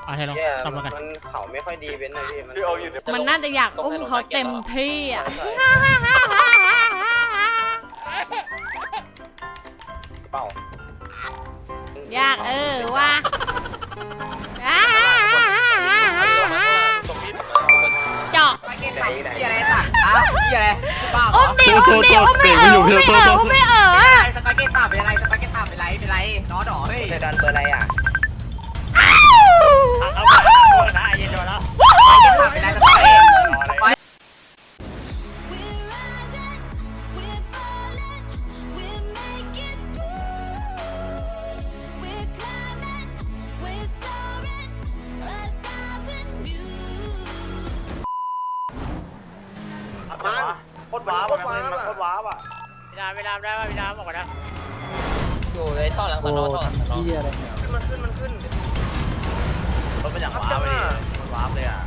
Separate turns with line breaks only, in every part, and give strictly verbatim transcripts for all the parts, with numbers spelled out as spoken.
อ่ะให้ลอง
เนี่ย
ทำแล้วกัน
มันเขาไม่ค่อยดีเว้นนะพี่มัน
มันน่าจะอยากอุ้มเขาเต็มที่อ่ะ
เปล่า
อยากเออว่ะจอก
ที่อะไรตักอ้าวที่อะไรบ้า
อุ้มดิอุ้มดิอุ้มไม่เอออุ้มไม่เอออุ้มไม่เออ
สปาเกตตับเป็นอะไรสปาเกตตับเป็นไรเป็นไรน้อดอเฮ้ย
เซดันเบอร์อะไรอ่ะ
เอาไปเอาไปเย็นแล้ว
ตับเป็นไรสปาเกต
โคตรว้าวมันมันโคตรว้าวอ่ะ
เวลาเวลาได้ป่ะเวลาบอกก่อนนะ
อยู่ในท่อหลังสนอท่อหลังสนอขึ้นมันขึ้นมันขึ้นรถเป็นอย่างว้าวเลยมันว้าวเลยอ่ะ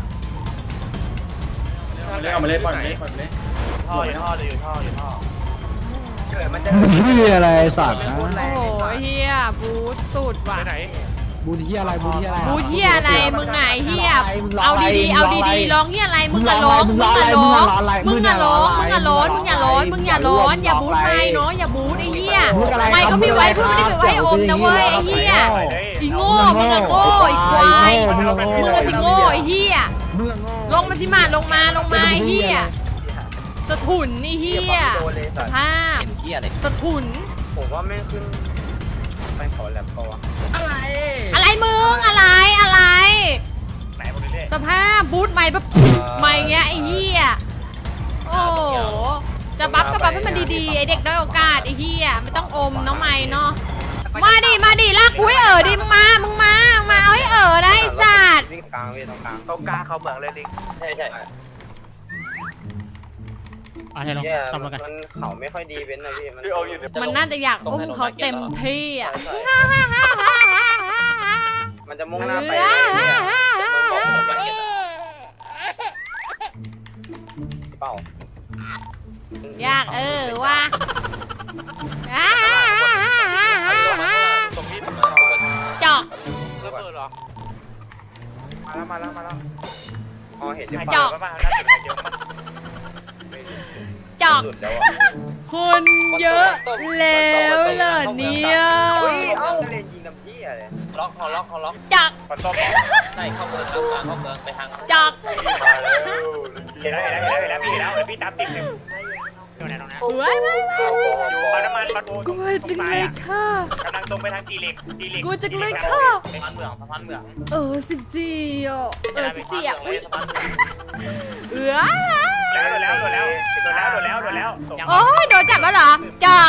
เอามาเล่นปล่อยมาเล่นปล่อยมาเล่น
ท่ออยู่ท่ออยู่ท่ออยู่ท่อเกิดมันจะ
เฮียอะไรสัตว์นะ
โอ้โหเฮียบูทสุดว่ะ
ไหน
บูเฮียอะไรบูเฮียอะไร
บูทเฮียอะไรมึงไงเฮียเอาดีๆเอาดีๆร้องเฮียอะไรมึงอะร้องมึงอะร้องมึงอะร้องมึงอะร้อนมึงอย่าร้อนมึงอย่าร้อนอย่าบูทไปเนาะอย่าบูทไอ้เฮียไม่เขาพี่ไว้เพื่อไม่ได้ไปไว้อมนะเว้ยไอ้เฮียอีโง่มึงอะโง่ไอ้ควายมึงอะสิโง่ไอ้เฮียลงมาสิมาลงมาลงมาไอ้เฮียสะทุนไอ้เฮียสภาพสะทุน
ผมว่าไม่ขึ้นไปขอแลบก็วะ
อะไรมึงอะไรอะไร
ไหนหมดเลย
สภาพบูทใหม่แบบใหม่เงี้ยไอ้เหี้ยโอ้โหจะบัฟก็บัฟให้มันดีๆไอเด็กด้อยโอกาสไอ้เหี้ยไม่ต้องอมน้องใหม่เนาะมาดิมาดิลากกูให้เอ๋อดิมึงมามึงมามาเอาให้เอ๋อได้สัตว์
วิ่งกลางวิ่งตรงกลางตรงกลางเขาเมืองเลยดิใช่ใช่
อ่ะให้ลอง
เนี่ย
ทำแล้วกัน
มันเขาไม่ค่อยดีเว้นนะพี่มัน
มันน่าจะอยากอุ้มเขาเต็มที่อ่ะ
มันจะมุ่งหน้าไปเปล่า
อยากเออว่ะ
ตรงนี้
จอก
ระเบิดเหรอมาแล้วมาแล้วมาแล้วอ๋อเห็น
จอกจอก
หลุดแล้ว
คนเยอะแล้วเหรอเนี่ย
เฮ้ยเอ้าเล่นยิงน้ำพี่อะไรล็อกเขาล็อกเขาล็อก
จอก
เขาต้มใช่เข้าเมืองแล้วเข้าเมืองไปทาง
จอก
เห็นแล้วเห็นแล้วเห็นแล้วพี่แล้วพี่ตามติดเลยอยู่ไหนตรงนั้น
เว้ยเว้ยเว้ยเว้ย
อยู่ปั๊มน้ำมันปั๊ม
กลัวจังเลยค่ะ
กำลังตรงไปทางจีเล็กจีเล็ก
กลัวจังเลยค่ะ
สะพานเมืองสะพานเมือง
เออสิบสี่อ่ะเออสิบสี่อ่ะอุ้ย
สะพานเมือง
เออ
แล้วโดนแล้วโดนแล้วโดนแล้วโดนแล้วโดนแล้ว
โอ้ยโดนจับแล้วเหรอจอก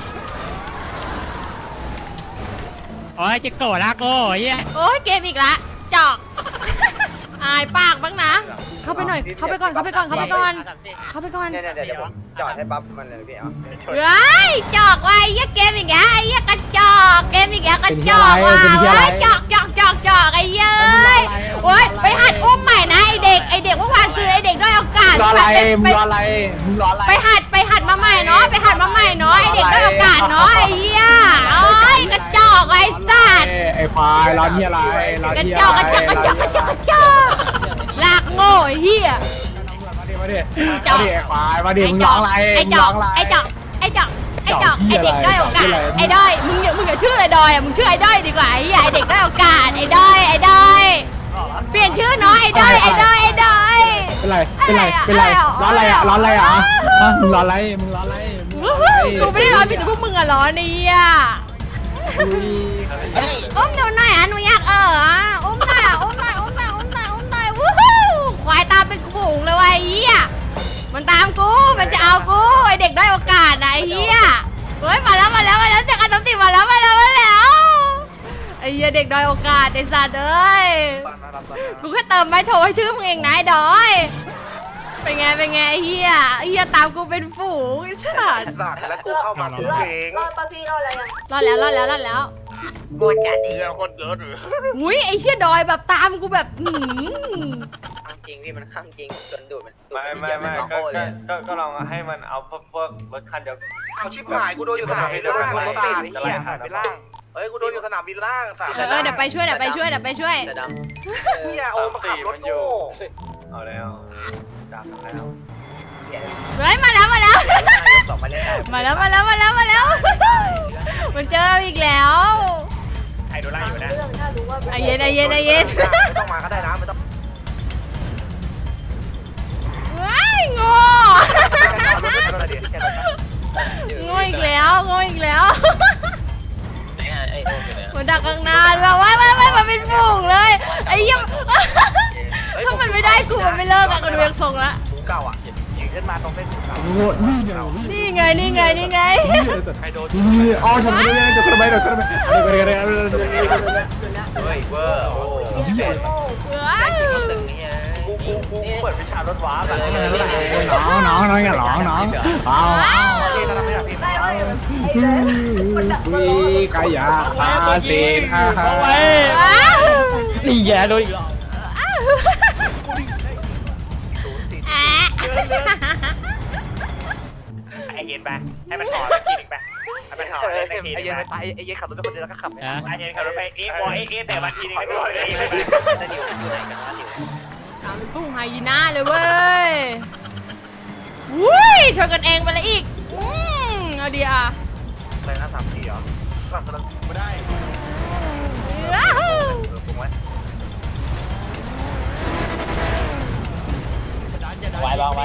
โอ้ยจะโกรธละโก้เฮีย
โอ้ยเกมอีกละจอกอายปากบ้างนะ เข้าไปหน่อยเข้าไปก่อนเข้าไปก่อนเข้าไปก่อนเข้าไปก่อน
เนี่ยเดี๋ยวผมจอดให้ปั๊บมันเลยพี่เอา
เฮ้ยจอกว่ะไอ้เหี้ยเกมอีกแล้วไอ้เหี้ยกระจอกเกมอีกแล้วกระจอกว่ะเว้ยจอกจอกจอกจอกไอ้เย้ยโอ้ยไปหัดอุ้มใหม่นะไอเด็กไอเด็กเมื่อวานคือไอเด็กด้อยโอกาส
รออะไร
ไป
มึงรออะไรมึงรออะไร
ไปหัดไปหัดมาใหม่เนาะไปหัดมาใหม่เนาะไอเด็กด้อยโอกาสเนาะไอ้เหี้ยโอ้ยกระจอกไอ้สัตว์
ไอ้ควายร้อนเฮียอะไรร้อน
กระ
เฮีย
จอกกระจอกกระจอกกระจอกกระจอกลากโง่ไอ้เหี้ย
มาดิมาดิมาดิไอ้ควายมาดิมึงร้องอะไร
ไอ้
มึง
จ
ร้
อ
อก งอะไร
ไอ้จอกไอ้จอกไอ้จอก
จอกเหี้
ไอ้
ย
เด็กด้อยโอกาส
อะไร
ไอ้ด้อยมึงอย่ามึงอย่าชื่อไอ้ดอยอ่ะมึงชื่อไอ้ด้อยดีกว่าไอ้เหี้ยไอ้เด็กด้อยโอกาสไอ้ด้อยไอ้ด้อยเปลี่ยนชื่อเนาะไอ้ด้อยไอ้ด้อยไอ้ด้อย
เป็นไรเป็นไรเป็นไรร้อนอะไรอ่ะร้อนอะไรอ่ะฮะมึงร้อนอะไรมึงร้อนอะไร
กูไม่ได้ร้อนผิดแต่พวกมึงอะร้อนเนี่ยอุ้มหนูหน่อยอ่ะหนูอยากเอออ่ะอุ้มหน่อยอ่ะอุ้มหน่อยอุ้มหน่อยอุ้มหน่อยอุ้มหน่อยวู้ฮู้ควายตามเป็นฝูงเลยว่ะไอ้เหี้ยมันตามกูมันจะเอากูไอเด็กได้โอกาสนะไอ้เหี้ยเฮ้ยมาแล้วมาแล้วมาแล้วจากการตัดสินมาแล้วมาแล้วมาแล้วไอ้เหี้ยเด็กด้อยโอกาสไอ้สัตว์เอ้ยกูแค่เติมไม่โทรให้ชื่อมึงเองนะไอ้ดอยเป็นไงเป็นไงไอ้เหี้ยไอ้เหี้ยตามกูเป็นฝูงไอ้สัตว์
สัตว์แล้วกูเข้ามากูเอง
รอดปะพี่รอดอะไรยัง
รอดแล้วรอดแล้วรอดแล้ว
โกนจัดดีคนเยอะหรือ
อุ้ยไอ้เหี้ยดอยแบบตามกูแบบหืม
ข้างจริงพี่มันข้างจริงจนดูดมัน
ไม่ไม่ไม่ก็ก็ก็ลองให้มันเอาพวกพวกรถคันเดียว
เอาชิบหายกูโดนอยู่ตรงไหนเดี๋ยวมันรถติดไอ้เหี้ยหายไปล่างฮ้ยกูโดนอยู่สนามบินล่างสาม
เออเออเดี๋ยวไปช่วยเดี๋ยวไปช่วยเดี๋ยวไปช่วย
เฮียโอ้มาขับรถโง่
เอาแล้วจับแล้ว
เฮ้ยมาแล้วมาแล้ว
สองไปเล่นได้
มาแล้วมาแล้วมาแล้วมาแล้ว มันเจออีกแล้ว
ใครโดนไล่อยู่นะ
ไอเย็นไอเย็นไอเย็น
ไม่ต้องมาก็ได้นะไม่ต้อง
ว้ายโง่โง่อีกแล้วโง่อีกแล้วมันดักข้างหน้าแบบว้ายว้ายว้ายมันเป็นฝูงเลยไอ้ยังถ้ามันไม่ได้กูมันไม่เลิกอะกูดูยังทรงละ
กูเก่าอ่ะยิงขึ้นมาตรงเส้นกูเก่า
โง่นี่ไง
นี่ไงนี่ไงนี่ไง
ใครโดน
นี่อ๋อฉันไม่ได้จะกระไรจะกระไรเฮ้ย
เฮ้ยเวอร์โอ้
ว้าย
กูกูกูเปิดวิชารถว้าแบบ
น้องน้องน้องอย่าร้องน้องเอา
พี่ทำไม่ได้พี่
วีกายาอาเซนอาฮา
ว้าว
นี่แย่โดนอีก
แอะ
ไอเย็นไปให้มันถอดทีนึงไปให้มันถอด
ไอ้
เล่นทีนึง
เย็น
ไป
ไปไอ้เย็นขับรถเป็นคนเดียวแล้วก็ขับ
ไอเย็นขับรถไปเอ๊ะบอยเอ๊ะแต่วันทีนึงไม่ถอดเลย
จะอยู่อยู่ไหนกันวะอยู่
ตามเป็นพุ่งไฮยีน่าเลยเว้ยวุ้ยชนกันเองไปแล้วอีกอืมเอาดีอ่ะ
อะไรนะสามสี่เหรอฝั่งตะลุไม่ได้
ว้าว
เออปรุงไว้
ไว้วางไว้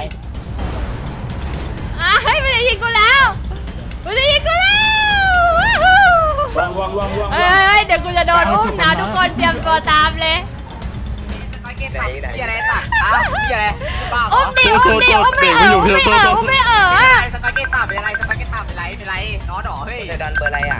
อ่ะเฮ้ยมันจะยิงกูแล้วมันจะยิงกูแล้ว
วางวางวางวาง
เฮ้ยเดี๋ยวกูจะโดนอุ้มนะทุกคนเตรียมตัวตามเลย
สปาเกตตับพี่อะไรตักอ้าวพี่อะไรบ้าเหร
อุ้
อ
มดิอุ้มดิอุ้มไม่เอออุ้มไม่เอออุ้มไม่เออ
สปาเกตตับเป็นอะไรสปาเกตตับเป็นไรเป็นไรน้อดอเฮ้ย
เจอดันเบอร์อะไรอ่ะ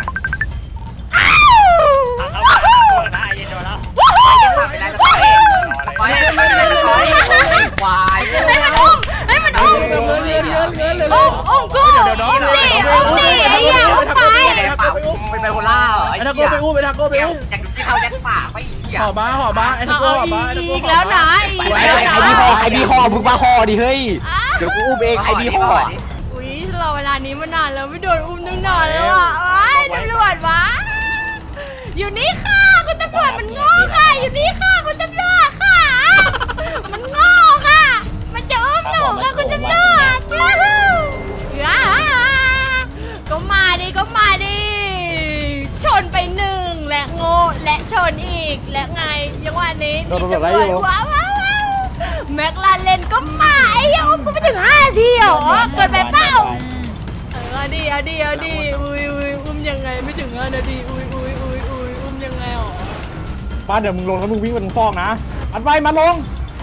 เอาเอาเอานะไอเย็นโดนแล้ว
ตับเป็นไรสปาเกตสปาเกตเป็นไรสปาเกตควาย
ให้มันอุ้มให้มันอุ้มอุ้มอุ้มกูอุ้มดิอุ้มดิไอ้เหี้ยอุ้มไป
ปากเป็นไบโพล่าเหรอไอ้
ไอ้
เหี้
ทาย โก้ไปอู้ไปทาโก้ไปอู้
อยากดูที่เขายัดปากไปอีกเหี้ย
ห่อบ้าห่อบ้าไอ้ทา
เอา
โก้ห่อบ้า
อีกแล้วนะอีกแล้วนะ
ไอ้พี่ห่อไอ้พี่ห่อมึงมาห่อดิเฮ้ยเดี๋ยวกูอุ้มเองไอ้พี่ห่อ
อุ้ยรอเวลานี้มานานแล้วไม่โดนอุ้มตั้งนานแล้วอ่ะไอ้ตำรวจวะอยู่นี่ค่ะคุณตำรวจมันโง่ค่ะอยู่นี่ค่ะคุณตำรวจค่ะมันโง่ค่ะมันจะอุ้มหนูค่ะคุณตำรวจว้าวก็มาดิก็มาดิชนไปหนึ่งและโง่และชนอีกและไงยังว่านี้นี่ตำรวจว้าวว้าวแม็กลาเลนก็มาไอ้ยังอุ้มกูไปถึงห้าทีเหรอเกิดไปเปล่าเออเอาดิเอาดิเอาดิอุ้ยอุ้ยอุ้มยังไงไม่ถึงห้านาทีอุ้ยอุ้ยอุ้ยอุ้ยอุ้มยังไงหรอ
ป้าเดี๋ยวมึงลงแล้วมึงวิ่งบนฟอกนะอัดไว้มาลง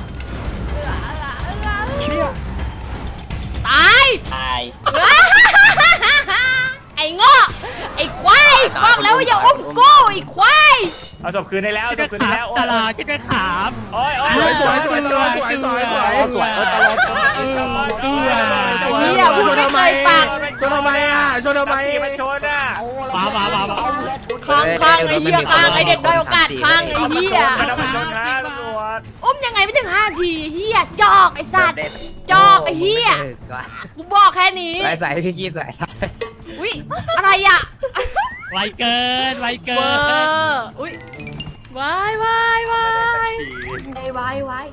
เชี่ย
ตาย
ตาย
ไอ้โง่ไอ้ควายบอกแล้วว่าอย่าอุ้มกูไอ้ควาย
เอาศพคืนได้แล้วศพคืนได้แล้ว
ตลาดคิดเป็นขาม
โอ้ยโอ้ย
สวยสวยสวยสวยสวยสวยสวยสวยตลอด
เฮียพูดไม่เคยฟัง
ชนทำไมอ่ะชนทำไม
มันชนอ่ะ
มามามามา
ค้างค้างไอ้เฮียค้างไอ้เด็กด้อยโอกาสค้างไอ้เฮีย
มันต้องชนนะตำรวจ
อุ้มยังไงไม่ถึงห้าทีเฮียจอกไอ้สัตว์จอกไอ้เฮียกูบอกแค่นี้
ใส่ใส่พี่กี้ใส่
อุ้ยอะไรอ่ะ
ไวเกินไวเกิ
เวอน ร์อุ้ยวายวายวายไอ้วายวาย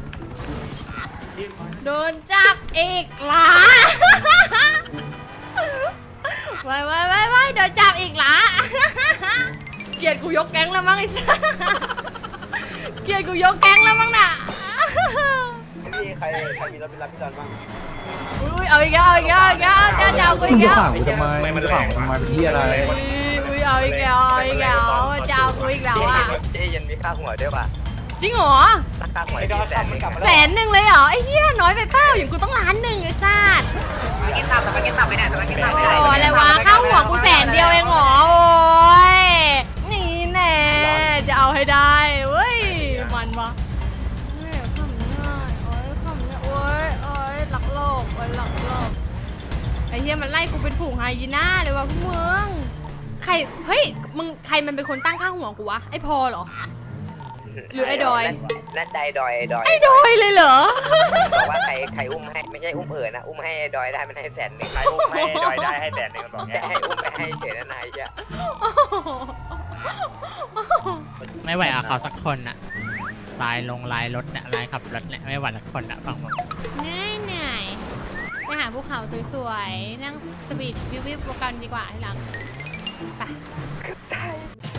โดนจับอีกหลาวายวายวายวายโดนจับอีกหลาเกลียดกูยกแก๊งแล้วมั้งไอ้สัสเกลียดกูยกแก๊งแล้วมั้งน่ะ
พี่ใครใครมีรถเป็นรับพี่ดอนบ้าง
อุ้ยเอาอีกแล้วเอาอีกแล้วเอาอีกแล้วจะจะเอากู
มึ
อี
ง
ก
จะ
แล้ว
ขังกูทำไมมึงจะขังกูทำไมเป็นที่อะไร
อุ้ยอุ้ยเอาอีกแล้วเอาอีกแล้วจะเอากูอีกแล้วอ่ะ
เจ๊เย็นมีค่าหัวด้วยป่ะ
จริงเหรอ
ราคาหัวที่แสนนึง
แสนหนึ่งเลยเหรอไอ้เหี้ยน้อยไปเปล่าอย่างกูต้องล้านหนึ่งไอ้สัส
สปาเกตตับสปาเกตตับไปไหนสปาเกตตับไป
โอ้
ไหน
อะไรวะข้าวหัวกูแสนเดียวเองเหรอโอ้ยนี่แน่จะเอาให้ได้เว้ยมันวะเฮ้ยขำหน้าโอ้ยขำหน้าโอ้ยโอ้ยหลักโลกโอ้ยหลักโลกไอ้เหี้ยมันไล่กูเป็นฝูงไฮยีน่าเลยวะพวกมึงใครเฮ้ยมึงใครมันเป็นคนตั้งค่าหัวกูวะไอ้พอเหรอหรือไอ้ดอย
น่าใจดอยดอย
ไอ้ดอยเลยเหรอ
บอกว่าใครใครอุ้มให้ไม่ใช่อุ้มเอ๋อนะอุ้มให้ดอยได้มันให้แสนหนึ่ง
ใครอุ้มให้ดอยได้ให้แสนหนึ่งมันบอก
จะ
เงี้ย
ให้อุ้มไปให้เฉยนะนายเจ้า
ไม่ไหวอ่ะเขาสักคนอ่ะลายลงลายรถเนี่ยลายขับรถเนี่ยไม่ไหวสักคนอ่ะฟังผม
เหนื่อยเหนื่อยไปหาภูเขาสวยๆนั่งสวีทวิววิวกันดีกว่าที่รักไป